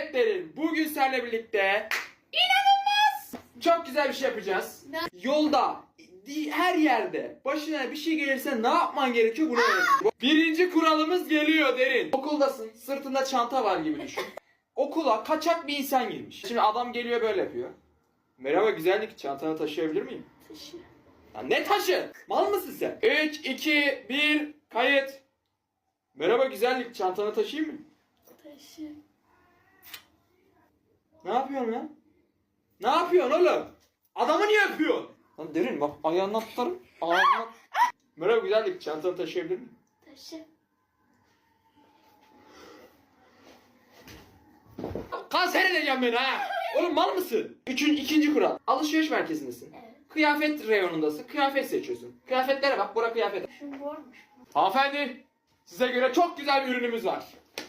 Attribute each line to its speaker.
Speaker 1: Evet Derin, bugün seninle birlikte inanılmaz çok güzel bir şey yapacağız. Yolda, her yerde başına bir şey gelirse ne yapman gerekiyor bunu öğreteceğim. Birinci kuralımız geliyor Derin. Okuldasın, sırtında çanta var gibi düşün. Okula kaçak bir insan girmiş. Şimdi adam geliyor böyle yapıyor. Merhaba güzellik, çantanı taşıyabilir miyim?
Speaker 2: Taşı.
Speaker 1: Ya ne taşı? Mal mısın sen? 3, 2, 1, kayıt. Merhaba güzellik, çantanı taşıyayım mı?
Speaker 2: Taşı.
Speaker 1: Ne yapıyorsun lan? Ne yapıyorsun oğlum? Adamı niye öpüyorsun? Lan Derin bak ayağından tutarım. Ağzına... Merhaba güzellik, çantanı taşıyabilir miyim?
Speaker 2: Taşı.
Speaker 1: Kanser edeceğim beni ha! Oğlum mal mısın? İkinci kural. Alışveriş merkezindesin.
Speaker 2: Evet.
Speaker 1: Kıyafet reyonundasın. Kıyafet seçiyorsun. Kıyafetlere bak, bura kıyafet.
Speaker 2: Şu bormuş.
Speaker 1: Hanımefendi, size göre çok güzel bir ürünümüz var.